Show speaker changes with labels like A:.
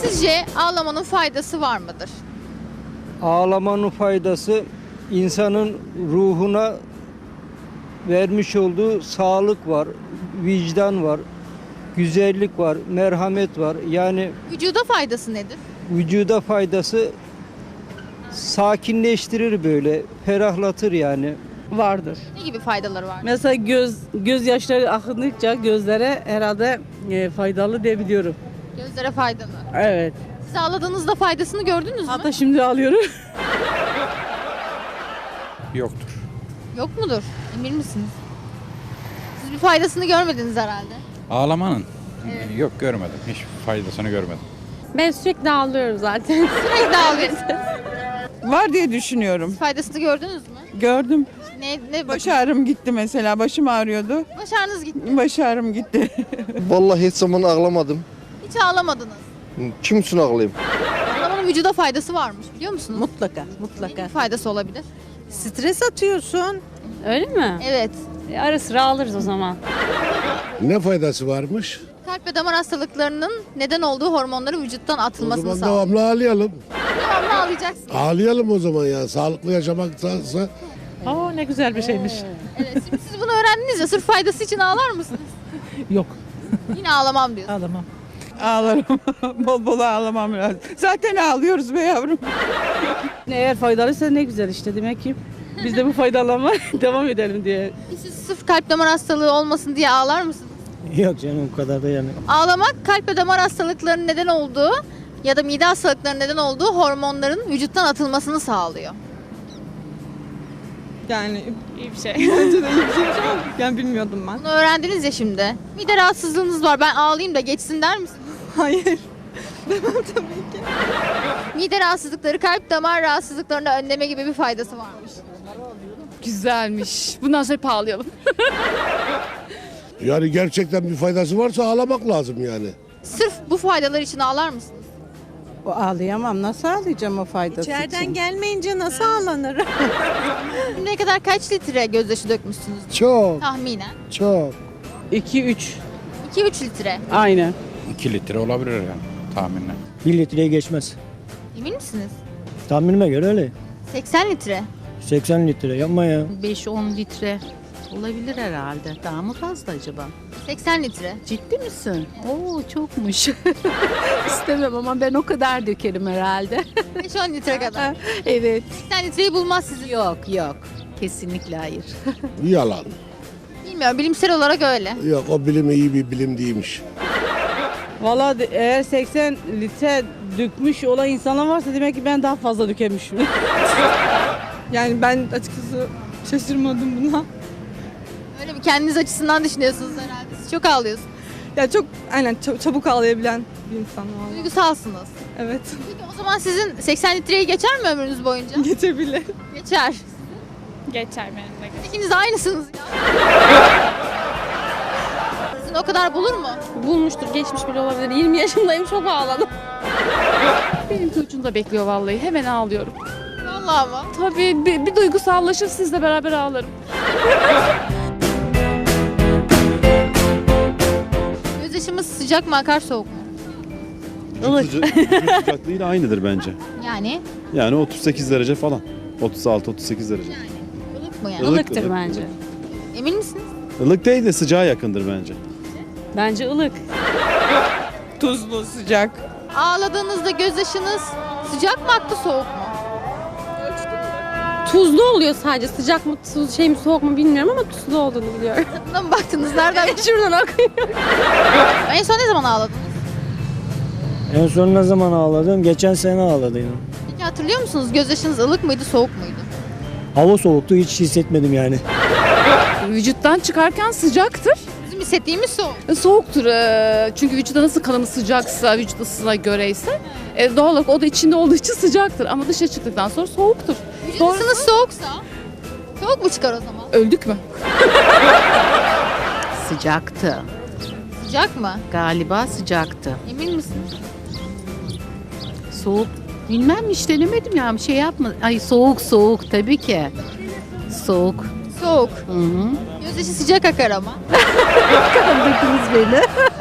A: Sizce ağlamanın faydası var mıdır?
B: Ağlamanın faydası insanın ruhuna vermiş olduğu sağlık var, vicdan var, güzellik var, merhamet var. Yani
A: Vücuda faydası nedir?
B: vücuda faydası sakinleştirir böyle, ferahlatır yani.
C: Vardır.
A: Ne gibi faydaları var?
C: Mesela gözyaşları akındıkça gözlere herhalde faydalı diyebiliyorum.
A: Gözlere faydalı.
C: Evet.
A: Siz ağladığınızda faydasını gördünüz mü?
C: Hatta şimdi alıyorum.
D: Yoktur.
A: Yok mudur? Emin misiniz? Siz bir faydasını görmediniz herhalde.
D: Ağlamanın? Yok görmedim. Hiç faydasını görmedim.
E: Ben sürekli ağlıyorum zaten.
A: Sürekli ağlıyorsunuz.
F: Var diye düşünüyorum.
A: Faydasını gördünüz mü?
F: Gördüm.
A: Ne
F: Baş ağrım gitti mesela. Başım ağrıyordu.
A: Baş ağrınız gitti.
F: Baş ağrım gitti.
G: Vallahi hiç zaman ağlamadım.
A: Hiç ağlamadınız.
G: Kim için ağlayayım?
A: Ağlamanın vücuda faydası varmış biliyor musunuz?
H: Mutlaka,
A: Ne
H: mutlaka.
A: gibi faydası olabilir?
H: Stres atıyorsun.
E: Öyle mi?
A: Evet.
E: Ara sıra alırız o zaman.
I: Ne faydası varmış?
A: Kalp ve damar hastalıklarının neden olduğu hormonların vücuttan
I: O
A: atılmasını
I: zaman
A: sağlıyor.
I: devamlı ağlayalım.
A: Devamlı ağlayacaksınız.
I: Ağlayalım o zaman ya. Sağlıklı yaşamaktansa.
C: Aa ne güzel bir şeymiş.
A: Evet. Şimdi siz bunu öğrendiniz ya sırf faydası için ağlar mısınız?
C: Yok.
A: Yine ağlamam diyorsun.
C: Ağlamam.
F: Ağlarım. Bol bol ağlamam lazım. Zaten ağlıyoruz be yavrum.
C: Eğer faydalıysa ne güzel işte demek ki. Biz de bu faydalanma devam edelim diye.
A: Siz sırf kalp damar hastalığı olmasın diye ağlar mısınız?
B: Yok canım o kadar da yani.
A: Ağlamak kalp ve damar hastalıklarının neden olduğu ya da mide hastalıklarının neden olduğu hormonların vücuttan atılmasını sağlıyor.
J: Yani
E: İyi bir şey.
J: bence de iyi bir şeymiş ama yani bilmiyordum ben.
A: Bunu öğrendiniz ya şimdi. Mide rahatsızlığınız var ben ağlayayım da geçsin der misiniz?
J: Hayır.
A: Mide rahatsızlıkları kalp damar rahatsızlıklarını önleme gibi bir faydası varmış.
E: Güzelmiş. Bundan sonra ağlayalım.
I: Yani gerçekten bir faydası varsa ağlamak lazım yani.
A: Sırf bu faydalar için ağlar mısınız?
H: O ağlayamam. Nasıl ağlayacağım o faydası
J: İçeriden
H: için?
J: gelmeyince nasıl ağlanır?
A: Şimdiye kadar kaç litre gözyaşı dökmüşsünüz
I: Çok,
A: tahminen?
I: çok.
C: 2-3.
A: 2-3 litre.
C: Aynen.
D: 2 litre olabilir yani tahminle.
B: 1 litreye geçmez.
A: Emin misiniz?
B: Tahminime göre öyle.
A: 80 litre.
B: 80 litre yapma ya.
H: 5-10 litre olabilir herhalde. Daha mı fazla acaba?
A: 80 litre.
H: Ciddi misin? Oo çokmuş. İstemem ama ben o kadar dökerim herhalde.
A: 5-10 litre kadar.
H: Evet.
A: 80 litreyi bulmaz sizin.
H: Yok yok. Kesinlikle hayır.
I: Yalan.
A: Bilmiyorum bilimsel olarak öyle.
I: Yok o bilim iyi bir bilim değilmiş.
C: Valla eğer 80 litre dökmüş olan insanlar varsa demek ki ben daha fazla dökemişim.
J: Yani ben açıkçası şaşırmadım buna.
A: Öyle mi? Kendiniz açısından düşünüyorsunuz herhalde. Siz çok ağlıyorsunuz.
J: Ya çok aynen çabuk ağlayabilen bir insan var.
A: Duygusalsınız.
J: Evet.
A: Peki o zaman sizin 80 litreyi geçer mi ömrünüz boyunca?
J: Geçebilir.
A: Geçer.
E: Geçer benim de.
A: İkiniz de aynısınız ya. Sizin o kadar bulur mu?
E: Bulmuştur, geçmiş bile olabilir. 20 yaşındayım, çok ağladım. Benimki ucunda bekliyor vallahi. Hemen ağlıyorum.
A: Vallahi mı?
E: Tabii bir duygusallaşır, sizle beraber ağlarım.
A: Gözyaşımız sıcak mı akar soğuk mu?
K: Vücut sıcaklığıyla aynıdır bence.
A: Yani
K: Yani 38 derece falan. 36-38 derece.
A: ılık mı yani?
K: Ilık,
E: Ilıktır
K: ılık,
E: bence.
A: Emin misiniz?
K: Ilık değil de sıcağa yakındır bence.
E: Bence ılık.
F: Tuzlu, sıcak.
A: Ağladığınızda gözyaşınız sıcak mı aktı soğuk mu?
E: Tuzlu oluyor sadece. Sıcak mı, şey mi, soğuk mu bilmiyorum ama tuzlu olduğunu biliyorum.
A: Tadına mı baktınız? Nereden?
E: Şuradan akıyor.
A: En son ne zaman ağladınız?
B: En son ne zaman ağladım? Geçen sene ağladıydım.
A: Peki hatırlıyor musunuz? Gözyaşınız ılık mıydı soğuk muydu?
B: Hava soğuktu hiç hissetmedim yani.
E: Vücuttan çıkarken sıcaktır.
A: Bizim hissettiğimiz soğuk.
E: Soğuktur. Çünkü vücuda nasıl kanımız sıcaksa, vücut ısısına göre ise doğal olarak o da içinde olduğu için sıcaktır. Ama dışarı çıktıktan sonra soğuktur.
A: Vücut
E: Doğru.
A: ısınız soğuksa soğuk mu çıkar o zaman?
E: Öldük mü?
H: Sıcaktı.
A: Sıcak mı?
H: Galiba sıcaktı.
A: Emin misiniz?
H: Soğuk. Bilmem hiç denemedim ya. Bir şey yapma. Ay soğuk tabii ki. Soğuk.
A: Soğuk.
H: Hı hı.
A: Gözyaşı sıcak akar ama.
H: Kandırdınız beni.